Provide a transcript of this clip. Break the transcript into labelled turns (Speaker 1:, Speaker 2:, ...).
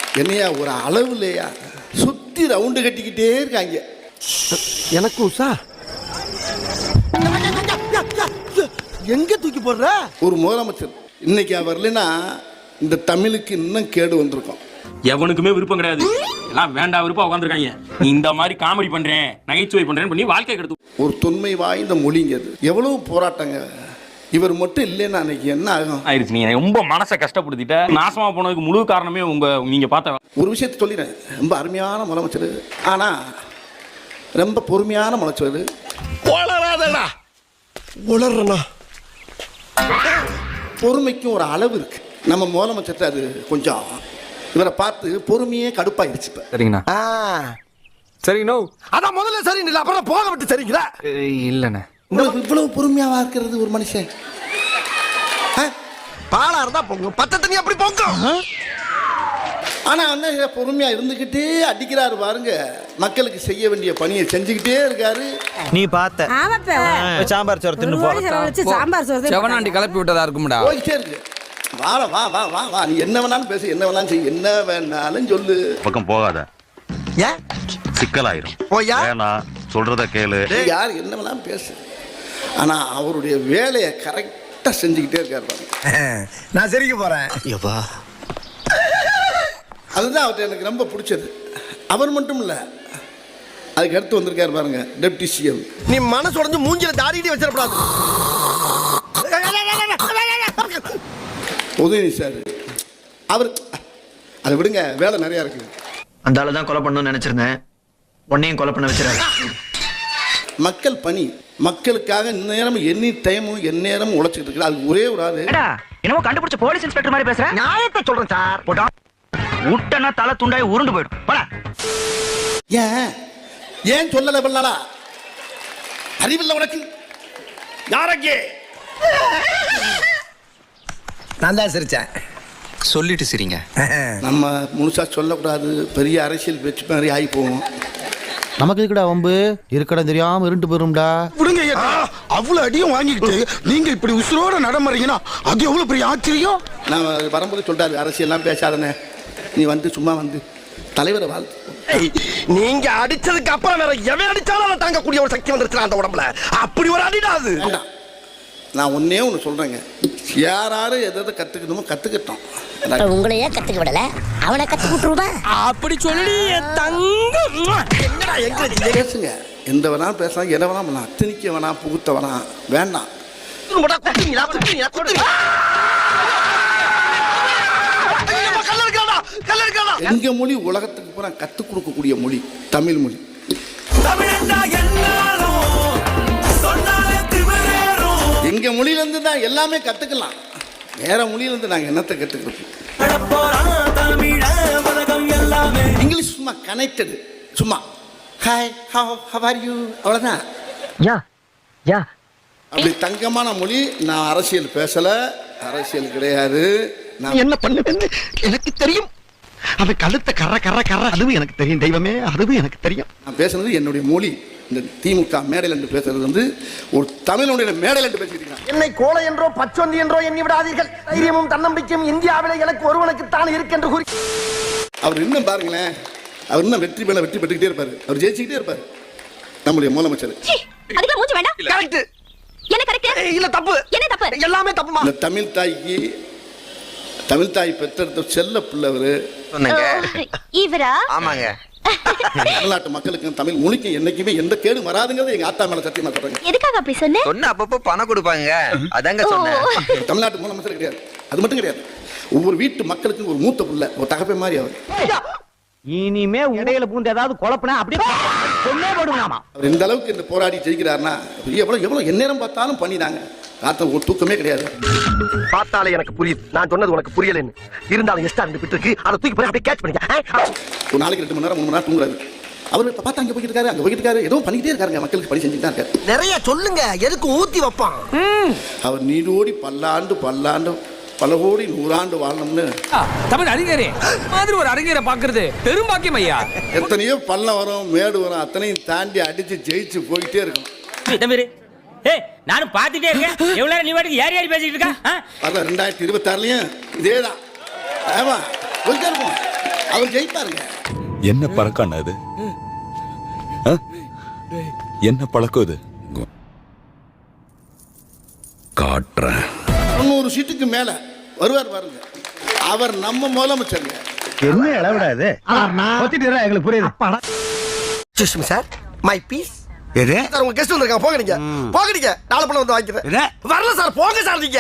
Speaker 1: என்னையா ஒரு அளவு இல்லையா, சுத்தி ரவுண்டு கட்டிக்கிட்டே இருக்காங்க.
Speaker 2: எனக்கு உஷா எங்க தூக்கி போடுற?
Speaker 1: ஒரு முதலமைச்சர் இன்னைக்கு அவர் இல்லைன்னா இந்த தமிழுக்கு இன்னும் கேடு வந்திருக்கும்.
Speaker 3: எவனுக்குமே விருப்பம் கிடையாது, எல்லாம் வேண்டாம் விருப்பம் உட்காந்துருக்காங்க. இந்த மாதிரி காமெடி பண்றேன், நகைச்சுவை பண்றேன்னு பண்ணி வாழ்க்கை கெடுத்து.
Speaker 1: ஒரு தொன்மை வாய்ந்த மொழிங்கிறது எவ்வளவு போராட்டங்க. இவர் மட்டும் இல்லைன்னா அன்னைக்கு என்ன ஆகும்
Speaker 3: ஆயிடுச்சு. நீங்க ரொம்ப மனசை கஷ்டப்படுத்திட்ட. நாசமா போனதுக்கு முழு காரணமே நீங்க பார்த்த
Speaker 1: ஒரு விஷயத்தை சொல்லிடுறேன். ரொம்ப அருமையான முதலமைச்சர், ஆனா ரொம்ப பொறுமையான முதலமைச்சர்.
Speaker 2: உளறாதடா. உளறனா?
Speaker 1: பொறுமைக்கும் ஒரு அளவு இருக்கு. நம்ம முதலமைச்சர் அது கொஞ்சம் இவரை பார்த்து பொறுமையே கடுப்பாயிருச்சு.
Speaker 4: சரிங்கண்ணா. சரிங்கண்ணா.
Speaker 2: அதான் முதல்ல சரி இல்லை, அப்புறம் போக விட்டு சரிங்களா?
Speaker 4: இல்லைண்ணே.
Speaker 1: உங்களுக்கு இவ்வளவு பொறுமையாவா இருக்கிறது ஒரு மனுஷன்?
Speaker 2: பாலா இருந்தா பொங்கும், பச்சை தண்ணி அப்படி பொங்கும்.
Speaker 1: ஆனா என்ன பொறுமையா இருந்துகிட்டே அடிக்கிறாரு பாருங்க. மக்களுக்கு செய்ய வேண்டிய பணியை செஞ்சுக்கிட்டே இருக்காரு.
Speaker 5: நீ பார்த்த சாம்பார் சோறு தின்னு போற
Speaker 4: செவனாண்டி கிளப்பி விட்டதா இருக்கும்டா.
Speaker 1: போயிட்டே இருக்கு. வா வா வா வா வா, நீ என்ன வேணாலும் பேசு, என்ன வேணாலும் செய்ய, என்ன வேணாலும் சொல்லு.
Speaker 6: பக்கம் போகாத,
Speaker 2: ஏன்
Speaker 6: சிக்கலாயிரும்.
Speaker 2: போயா
Speaker 6: வேணாம், சொல்றத கேளு.
Speaker 1: யார் என்ன வேணாலும் பேசு, ஆனா அவருடைய வேலையை கரெக்டா செஞ்சுக்கிட்டே இருக்காரு பாருங்க.
Speaker 2: நான் சரிக்க போறேன்.
Speaker 1: அதுதான் அவர்கிட்ட எனக்கு ரொம்ப பிடிச்சது. அவர் மட்டும் இல்ல, அதுக்கு அடுத்து வந்திருக்காரு பாருங்க டெப்டி சிஎம்.
Speaker 2: நீ மனசு உடைஞ்சு மூஞ்சில தாடிட்டு வச்சிடக்கூடாது.
Speaker 1: உதயநிதி சார் அவர் அதை விடுங்க, வேலை நிறைய இருக்கு.
Speaker 5: அந்த ஆளு தான் கொலை பண்ணணும்னு நினைச்சிருந்தேன், உன்னையும் கொலை பண்ண வச்சிருக்காரு.
Speaker 1: மக்கள் பணி, மக்களுக்காக நேரம் எனி டைமும் எந்நேரமும் உழைச்சிட்டு இருக்கு. அது ஒரே ஒரு ஆளு.
Speaker 5: என்னமோ கண்டுபிடிச்ச போலீஸ் இன்ஸ்பெக்டர் மாதிரி பேசுற. நியாயத்தை சொல்றேன் சார். போடா உட்டனா தலை துண்டாய் உருண்டு போயிடும். போடா.
Speaker 1: ஏன் ஏன் சொல்லல பண்ணலா? அறிவில்லை உனக்கு? யாரங்கே?
Speaker 2: நான் தான் சிரிச்சேன்.
Speaker 4: சொல்லிட்டு சரிங்க.
Speaker 1: நம்ம முழுசா சொல்லக்கூடாது, பெரிய அரசியல் பேச்சு மாதிரி ஆகி போவோம்.
Speaker 7: நமக்கு இருக்கடா வம்பு, இருக்கடா தெரியாம இருண்டு போயிரும்டா.
Speaker 2: விடுங்க. அவ்வளவு அடியும் வாங்கிக்கிட்டு நீங்க இப்படி உசுரோட நடமறீங்கன்னா அது எவ்வளவு பெரிய ஆச்சரியம்.
Speaker 1: நான் வரும்போது சொல்றாரு, அரசியல்லாம் பேசாதனே, நீ வந்து சும்மா வந்து தலைவரை வாழ்த்து.
Speaker 2: நீங்க அடிச்சதுக்கு அப்புறம் வேற எவன் அடிச்சாலும் தாங்கக்கூடிய ஒரு சக்தி வந்துருச்சு அந்த உடம்புல. அப்படி ஒரு அடிடா அது.
Speaker 1: நான் ஒன்னே ஒன்று சொல்றேங்க, யாராரு எதை கத்துக்கணுமோ கத்துக்கிட்டோம்.
Speaker 8: உங்களையே கத்துக்க விடல, அவனை கத்து விட்டுருவா.
Speaker 5: அப்படி சொல்லி
Speaker 1: பேசுங்க, எந்த வேணாலும் பேசலாம், எதை வேணாம் பண்ணலாம், திணிக்க வேணாம், புகுத்த வேணாம், வேண்டாம். எங்க மொழி உலகத்துக்கு பூரா கத்துக் கொடுக்கக்கூடிய மொழி தமிழ் மொழி. எங்க மொழியில இருந்து தான் எல்லாமே கத்துக்கலாம். வேற மொழியில இருந்து நாங்க என்னத்தை கத்துக்கிறோம்? இங்கிலீஷ் சும்மா கனெக்டட், சும்மா ஹாய் ஹவ் ஆர் யூ, அவ்வளவுதான். அப்படி தங்கமான மொழி. நான் அரசியல் பேசல, அரசியல் கிடையாது. நான்
Speaker 2: என்ன பண்ணுவேன்னு எனக்கு தெரியும். அது கழுத்த கர கர கர அதுவும் எனக்கு தெரியும். தெய்வமே, அதுவும் எனக்கு தெரியும்.
Speaker 1: நான் பேசுறது என்னுடைய மொழி. இந்த திமுக மேடையில் என்று பேசுறது வந்து ஒரு தமிழுடைய மேடையில் என்று பேசிக்கிறேன்.
Speaker 2: என்னை கோலை என்றோ பச்சொந்தி என்றோ எண்ணி விடாதீர்கள். தைரியமும் தன்னம்பிக்கையும் இந்தியாவிலே எனக்கு ஒருவனுக்கு தான் இருக்கு கூறி
Speaker 1: அவர் இன்னும் பாருங்களேன், அவர் இன்னும் வெற்றி மேல வெற்றி பெற்றுக்கிட்டே இருப்பாரு. அவர் ஜெயிச்சுக்கிட்டே இருப்பாரு. நம்முடைய முதலமைச்சர்
Speaker 2: கரெக்ட். என்ன கரெக்ட்? இல்ல தப்பு. என்ன தப்பு? எல்லாமே தப்புமா.
Speaker 1: இந்த தமிழ் தாய்க்கு, தமிழ் தாய் பெற்றெடுத்த செல்ல பிள்ளை
Speaker 8: இவரா?
Speaker 5: ஆமாங்க.
Speaker 1: தமிழ்நாட்டு மக்களுக்கும் தமிழ் மொழிக்கும் என்னைக்குமே எந்த கேடு வராதுங்கிறது எங்க ஆத்தா மேல சத்தியமா சொல்றேன்.
Speaker 8: எதுக்காக அப்படி சொன்ன?
Speaker 5: சொன்ன அப்பப்போ பணம் கொடுப்பாங்க, அதாங்க சொன்னேன்.
Speaker 1: தமிழ்நாட்டு முதலமைச்சர் கிடையாது, அது மட்டும் கிடையாது. ஒவ்வொரு வீட்டு மக்களுக்கும் ஒரு மூத்த புள்ள, ஒரு தகப்பை மாதிரி அவர்.
Speaker 5: இனிமே இடையில பூந்து ஏதாவது குழப்பனா அப்படியே சொன்னே போடுவாமா.
Speaker 1: அவர் இந்த அளவுக்கு இந்த போராடி ஜெயிக்கிறாருன்னா எவ்வளவு எவ்வளவு எந்நேரம் பார்த்தாலும் பண்ணினாங்க. ராத்திரி ஒரு தூக்கமே கிடையாது.
Speaker 2: பார்த்தாலே எனக்கு புரியுது, நான் சொன்னது உனக்கு புரியலன்னு. இருந்தாலும் எஸ்டா இருந்து விட்டுருக்கு, அதை தூக்கி போய் அப்படியே கேட்ச் பண்ணிக்க.
Speaker 1: ஒரு நாளைக்கு 2 மணி நேரம் 3 மணி நேரம் தூங்குறாரு. அவர் பார்த்தா அங்கே போய்கிட்டு இருக்காரு, அங்கே போய்கிட்டு இருக்காரு, ஏதோ பண்ணிக்கிட்டே இருக்காருங்க, மக்களுக்கு பணி செஞ்சுட்டு தான் இருக்காரு.
Speaker 2: நிறைய சொல்லுங்க, எதுக்கு ஊத்தி வைப்பான்.
Speaker 1: அவர் நீடோடி பல்லாண்டு பல்லாண்டு பல கோடி 100 ஆண்டு வாழணும்னு
Speaker 4: தமிழ் அறிஞரே மாதிரி ஒரு அறிஞரை பாக்குறது பெரும் பாக்கியம் ஐயா.
Speaker 1: எத்தனையோ பள்ளம் வரும், மேடு வரும், அத்தனையும் தாண்டி அடிச்சு ஜெயிச்சு போயிட்டே இருக்கும்.
Speaker 5: நானும் பாத்துட்டே இருக்கேன். எவ்வளவு நேரம் நீ வாட்டுக்கு யார் யார் பேசிட்டு இருக்கா?
Speaker 1: 2026லயும் இதேதான். ஆமா, போயிட்டே இருக்கும். அவர் ஜெயிப்பாருங்க.
Speaker 9: என்ன பழக்கம் அது? என்ன பழக்கம் இது? காட்டுறேன்.
Speaker 1: 300 சீட்டுக்கு மேல வருவார் பாருங்க. அவர் நம்ம முதலமைச்சருங்க.
Speaker 2: என்ன இளவிடாது எங்களுக்கு புரியுது சார். மை பீஸ் சார், உங்க கெஸ்ட் வந்திருக்காங்க. போங்க நீங்க, போங்க நீங்க. நாளை பண்ண வந்து வாங்கிக்கிறேன். வரல சார், போங்க சார் நீங்க.